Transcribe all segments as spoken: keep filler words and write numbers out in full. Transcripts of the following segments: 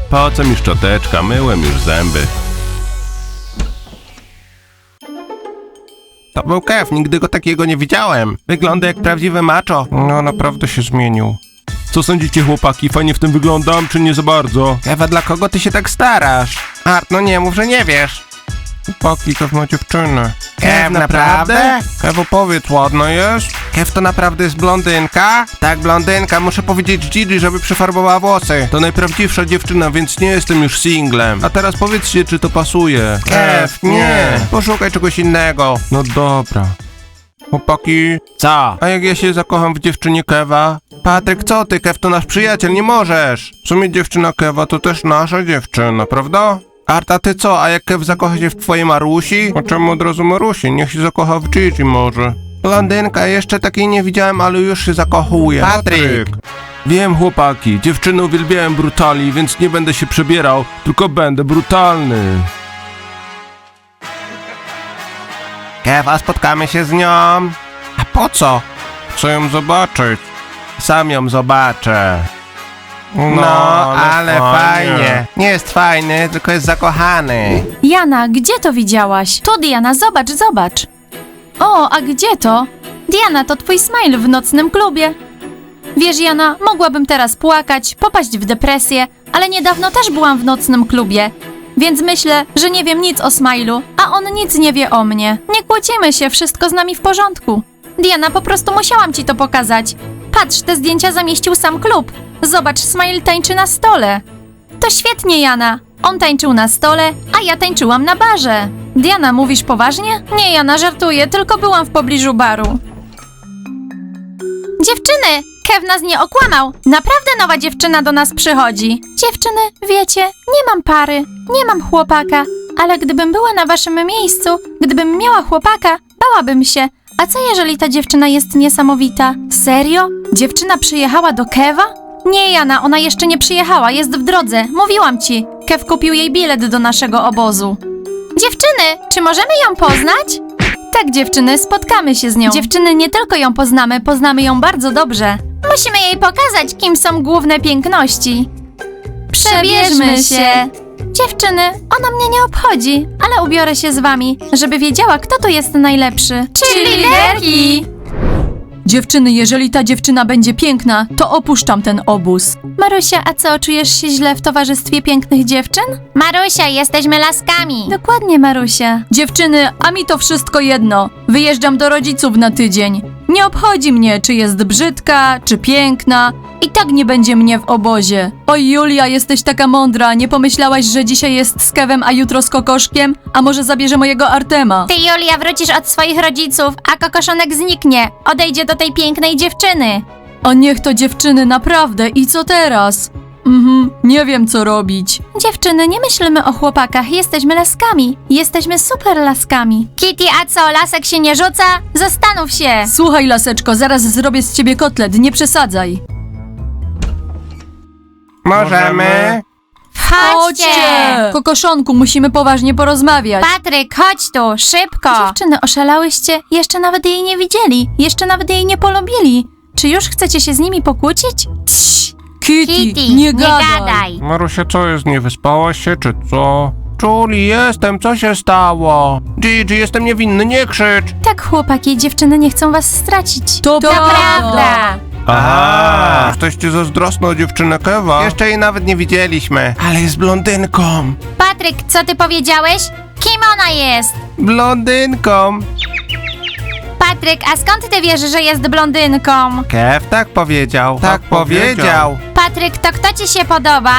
Po co mi szczoteczka? Myłem już zęby. To był Kev, nigdy go takiego nie widziałem. Wygląda jak prawdziwy macho. No, naprawdę się zmienił. Co sądzicie, chłopaki? Fajnie w tym wyglądam, czy nie za bardzo? Kev, dla kogo ty się tak starasz? Art, no nie mów, że nie wiesz. Chłopaki, Kev ma dziewczynę. Kev, naprawdę? Kev, opowiedz, ładna jest? Kev, to naprawdę jest blondynka? Tak, blondynka, muszę powiedzieć Gigi, żeby przyfarbowała włosy. To najprawdziwsza dziewczyna, więc nie jestem już singlem. A teraz powiedzcie, czy to pasuje. Kev, nie. Poszukaj czegoś innego. No dobra. Chłopaki. Co? A jak ja się zakocham w dziewczynie Keva? Patryk, co ty? Kev to nasz przyjaciel, nie możesz. W sumie dziewczyna Keva to też nasza dziewczyna, prawda? Arta, ty co? A jak Kev zakocha się w twojej Marusi? A czemu od razu Marusi? Niech się zakocha w Gigi może. Blondynka, jeszcze takiej nie widziałem, ale już się zakochuje. Patryk! Wiem, chłopaki, dziewczyny uwielbiałem brutali, więc nie będę się przebierał, tylko będę brutalny. Kev, a spotkamy się z nią? A po co? Chcę ją zobaczyć. Sam ją zobaczę. No, no ale, ale fajnie. fajnie. Nie jest fajny, tylko jest zakochany. Jana, gdzie to widziałaś? Tu, Diana, zobacz, zobacz. O, a gdzie to? Diana, to twój smile w nocnym klubie. Wiesz, Jana, mogłabym teraz płakać, popaść w depresję, ale niedawno też byłam w nocnym klubie. Więc myślę, że nie wiem nic o Smilu, a on nic nie wie o mnie. Nie kłócimy się, wszystko z nami w porządku. Diana, po prostu musiałam ci to pokazać. Patrz, te zdjęcia zamieścił sam klub. Zobacz, Smile tańczy na stole. To świetnie, Jana. On tańczył na stole, a ja tańczyłam na barze. Diana, mówisz poważnie? Nie, Jana, żartuję, tylko byłam w pobliżu baru. Dziewczyny, Kev nas nie okłamał. Naprawdę nowa dziewczyna do nas przychodzi. Dziewczyny, wiecie, nie mam pary, nie mam chłopaka, ale gdybym była na waszym miejscu, gdybym miała chłopaka, bałabym się. A co jeżeli ta dziewczyna jest niesamowita? Serio? Dziewczyna przyjechała do Keva? Nie, Jana, ona jeszcze nie przyjechała, jest w drodze, mówiłam ci. Kev kupił jej bilet do naszego obozu. Dziewczyny, czy możemy ją poznać? Tak, dziewczyny, spotkamy się z nią. Dziewczyny, nie tylko ją poznamy, poznamy ją bardzo dobrze. Musimy jej pokazać, kim są główne piękności. Przebierzmy się. Dziewczyny, ona mnie nie obchodzi, ale ubiorę się z wami, żeby wiedziała, kto tu jest najlepszy. Czyli liderki! Dziewczyny, jeżeli ta dziewczyna będzie piękna, to opuszczam ten obóz. Marusia, a co, czujesz się źle w towarzystwie pięknych dziewczyn? Marusia, jesteśmy laskami. Dokładnie, Marusia. Dziewczyny, a mi to wszystko jedno. Wyjeżdżam do rodziców na tydzień. Nie obchodzi mnie, czy jest brzydka, czy piękna. I tak nie będzie mnie w obozie. Oj, Julia, jesteś taka mądra. Nie pomyślałaś, że dzisiaj jest z Kevem, a jutro z Kokoszkiem? A może zabierze mojego Artema? Ty, Julia, wrócisz od swoich rodziców, a kokoszonek zniknie. Odejdzie do tej pięknej dziewczyny. A niech to dziewczyny, naprawdę. I co teraz? Mhm, nie wiem co robić. Dziewczyny, nie myślmy o chłopakach. Jesteśmy laskami. Jesteśmy super laskami. Kitty, a co, lasek się nie rzuca? Zastanów się. Słuchaj, laseczko, zaraz zrobię z ciebie kotlet. Nie przesadzaj. Możemy? Chodźcie! Kokoszonku, musimy poważnie porozmawiać. Patryk, chodź tu, szybko. Dziewczyny, oszalałyście? Jeszcze nawet jej nie widzieli. Jeszcze nawet jej nie polubili. Czy już chcecie się z nimi pokłócić? Cii, Kitty, Kitty, nie, nie gadaj. gadaj. Marusia, co jest? Nie wyspałaś się, czy co? Julie, jestem, co się stało? Gigi, jestem niewinny, nie krzycz! Tak, chłopaki, dziewczyny nie chcą was stracić. To, To prawda. Aha! Jesteście zazdrosne o dziewczynę Keva? Jeszcze jej nawet nie widzieliśmy. Ale jest blondynką. Patryk, co ty powiedziałeś? Kim ona jest? Blondynką. Patryk, a skąd ty wiesz, że jest blondynką? Kev tak powiedział. Tak, powiedział. Patryk, to kto ci się podoba?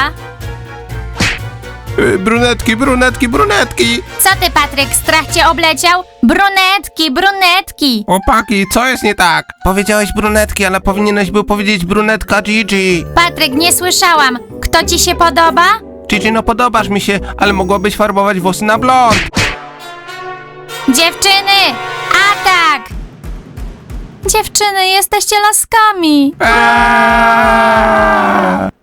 Y, brunetki, brunetki, brunetki. Co ty, Patryk, strach cię obleciał? Brunetki, brunetki. Opaki, co jest nie tak? Powiedziałeś brunetki, ale powinieneś był powiedzieć brunetka Gigi. Patryk, nie słyszałam. Kto ci się podoba? Gigi, no podobasz mi się, ale mogłabyś farbować włosy na blond. Dziewczyny, atak! Dziewczyny, jesteście laskami. Eee!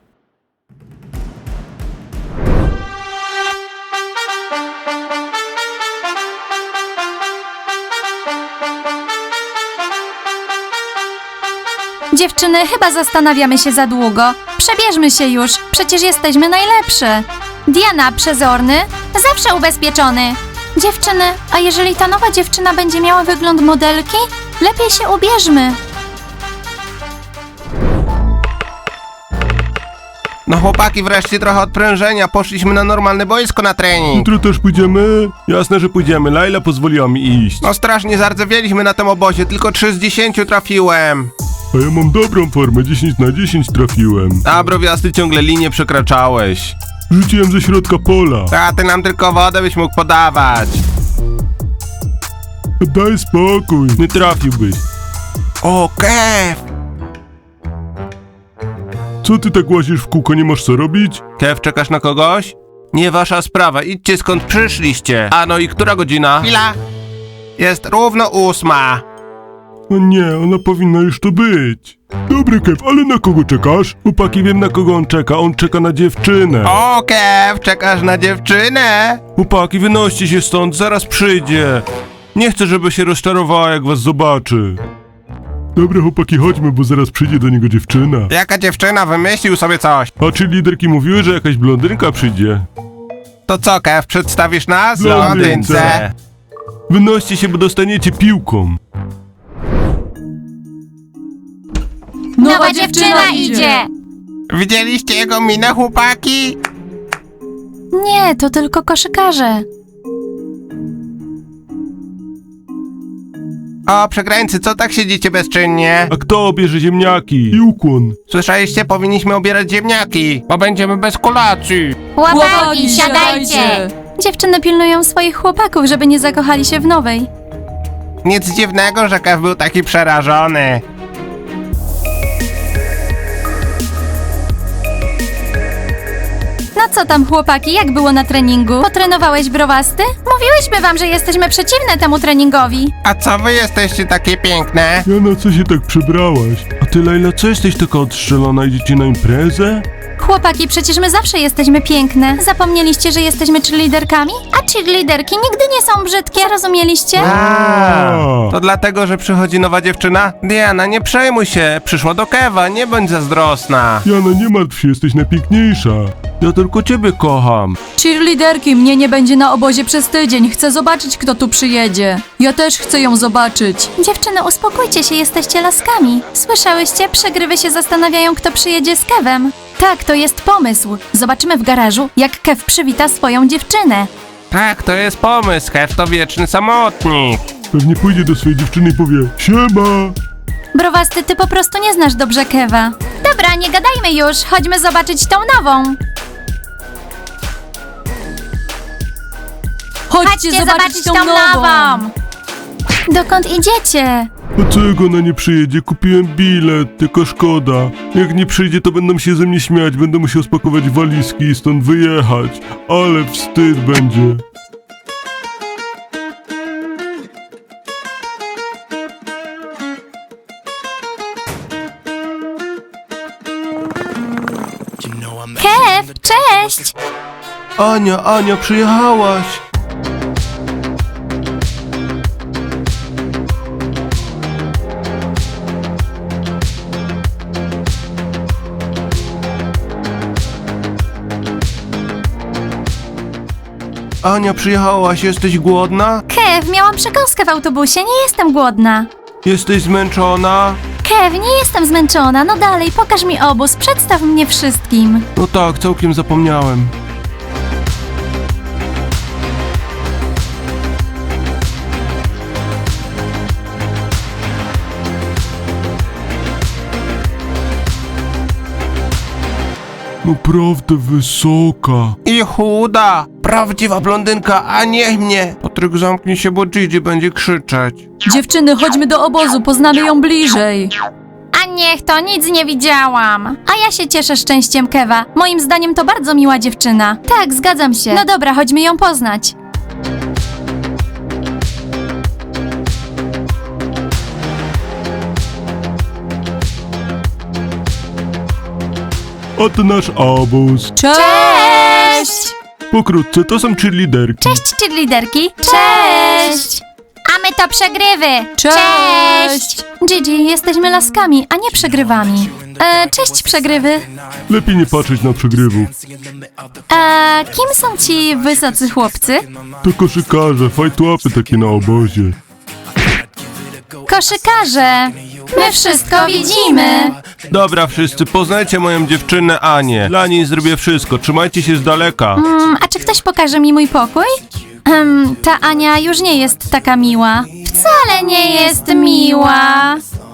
Dziewczyny, chyba zastanawiamy się za długo. Przebierzmy się już, przecież jesteśmy najlepsze. Diana, przezorny, zawsze ubezpieczony. Dziewczyny, a jeżeli ta nowa dziewczyna będzie miała wygląd modelki? Lepiej się ubierzmy. No chłopaki, wreszcie trochę odprężenia. Poszliśmy na normalne boisko na trening. Jutro też pójdziemy? Jasne, że pójdziemy. Laila pozwoliła mi iść. No strasznie zardzewieliśmy na tym obozie, tylko trzy z dziesięciu trafiłem. A ja mam dobrą formę, dziesięć na dziesięć trafiłem. A browiasty ciągle linię przekraczałeś. Rzuciłem ze środka pola. A ty nam tylko wodę byś mógł podawać. Daj spokój, nie trafiłbyś. O, Kev! Co ty tak łazisz w kółko, nie masz co robić? Kev, czekasz na kogoś? Nie wasza sprawa, idźcie skąd przyszliście. A no i która godzina? Chwila. Jest równo ósma. No nie, ona powinna już tu być. Dobry Kev, ale na kogo czekasz? Chłopaki, wiem na kogo on czeka, on czeka na dziewczynę. O, Kev, czekasz na dziewczynę? Chłopaki, wynoście się stąd, zaraz przyjdzie. Nie chcę, żeby się rozczarowała, jak was zobaczy. Dobra chłopaki, chodźmy, bo zaraz przyjdzie do niego dziewczyna. Jaka dziewczyna? Wymyślił sobie coś. A czy liderki mówiły, że jakaś blondynka przyjdzie? To co, Kev, przedstawisz nas? Blondynce. Wynoście się, bo dostaniecie piłką. Nowa dziewczyna idzie. Widzieliście jego minę, chłopaki? Nie, to tylko koszykarze. O, przegrańcy, co tak siedzicie bezczynnie? A kto bierze ziemniaki? I ukłon. Słyszeliście? Powinniśmy obierać ziemniaki, bo będziemy bez kolacji. Chłopaki, siadajcie. Dziewczyny pilnują swoich chłopaków, żeby nie zakochali się w nowej. Nic dziwnego, że Kev był taki przerażony. No co tam chłopaki, jak było na treningu? Potrenowałeś browasty? Mówiłyśmy wam, że jesteśmy przeciwne temu treningowi. A co wy jesteście takie piękne? Jana, co się tak przebrałaś? A ty, Laila, co jesteś taka odstrzelona? Idziecie na imprezę? Chłopaki, przecież my zawsze jesteśmy piękne. Zapomnieliście, że jesteśmy cheerleaderkami? A cheerleaderki nigdy nie są brzydkie. Zrozumieliście? A, to dlatego, że przychodzi nowa dziewczyna? Diana, nie przejmuj się, przyszła do Keva, nie bądź zazdrosna. Jana, nie martw się, jesteś najpiękniejsza. Ja tylko ciebie kocham. Cheerleaderki, mnie nie będzie na obozie przez tydzień. Chcę zobaczyć, kto tu przyjedzie. Ja też chcę ją zobaczyć. Dziewczyny, uspokójcie się, jesteście laskami. Słyszałyście? Przegrywy się zastanawiają, kto przyjedzie z Kevem. Tak, to jest pomysł. Zobaczymy w garażu, jak Kev przywita swoją dziewczynę. Tak, to jest pomysł, Kev to wieczny samotnik. Pewnie pójdzie do swojej dziewczyny i powie: siema! Browasty, ty po prostu nie znasz dobrze Keva. Dobra, nie gadajmy już, chodźmy zobaczyć tą nową. Chodźcie, Chodźcie zobaczyć tą nową. Dokąd idziecie? A co jak ona nie przyjedzie? Kupiłem bilet, tylko szkoda. Jak nie przyjdzie, to będą się ze mnie śmiać, będę musiał spakować walizki i stąd wyjechać. Ale wstyd będzie. Kev, cześć! Ania, Ania, przyjechałaś. Ania, przyjechałaś, jesteś głodna? Kev, miałam przekąskę w autobusie, nie jestem głodna. Jesteś zmęczona? Kev, nie jestem zmęczona, no dalej, pokaż mi obóz, przedstaw mnie wszystkim. No tak, całkiem zapomniałem. Naprawdę wysoka. I chuda! Prawdziwa blondynka, a nie mnie! Patryk, zamknij się, bo Gigi będzie krzyczeć. Dziewczyny, chodźmy do obozu, poznamy ją bliżej. A niech to, nic nie widziałam. A ja się cieszę szczęściem Keva. Moim zdaniem to bardzo miła dziewczyna. Tak, zgadzam się. No dobra, chodźmy ją poznać. Oto nasz obóz. Cześć! Pokrótce, to są cheerleaderki. Cześć, cheerleaderki. Cześć! A my to przegrywy. Cześć! Gigi, jesteśmy laskami, a nie przegrywami. E, cześć, przegrywy. Lepiej nie patrzeć na przegrywów. E, kim są ci wysocy chłopcy? To koszykarze, fajtłapy takie na obozie. Koszykarze. My wszystko widzimy. Dobra wszyscy, poznajcie moją dziewczynę Anię. Dla niej zrobię wszystko, trzymajcie się z daleka. Mm, a czy ktoś pokaże mi mój pokój? Um, ta Ania już nie jest taka miła. Wcale nie jest miła.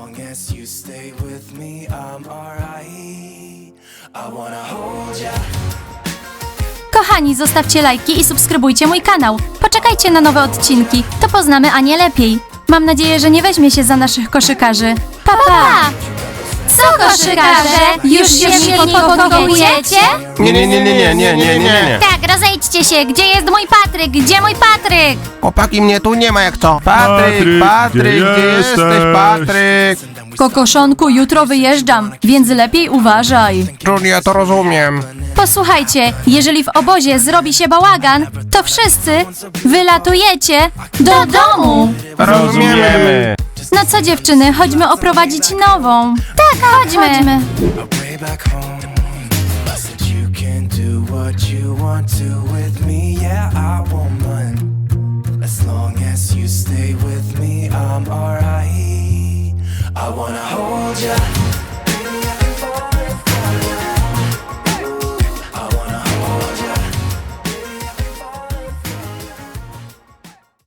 Kochani, zostawcie lajki i subskrybujcie mój kanał. Poczekajcie na nowe odcinki, to poznamy Anię lepiej. Mam nadzieję, że nie weźmie się za naszych koszykarzy. Pa, pa! Co koszykarze? Już się mi podpokojujecie? Nie, nie, nie, nie, nie, nie, nie, nie, nie. Tak, rozejdźcie się. Gdzie jest mój Patryk? Gdzie mój Patryk? Chłopaki, mnie tu nie ma jak co. Patryk, Patryk, Patryk, gdzie gdzie jesteś, jesteś? Patryk? Kokoszonku, jutro wyjeżdżam, więc lepiej uważaj. Julia, to rozumiem. Posłuchajcie, jeżeli w obozie zrobi się bałagan, to wszyscy wylatujecie do domu. Rozumiemy. No co dziewczyny, chodźmy oprowadzić nową. Tak, chodźmy. chodźmy. Way back home, I said you can do what you want to with me. Yeah, I won't run. As long as you stay with me, I'm alright. I wanna hold ya.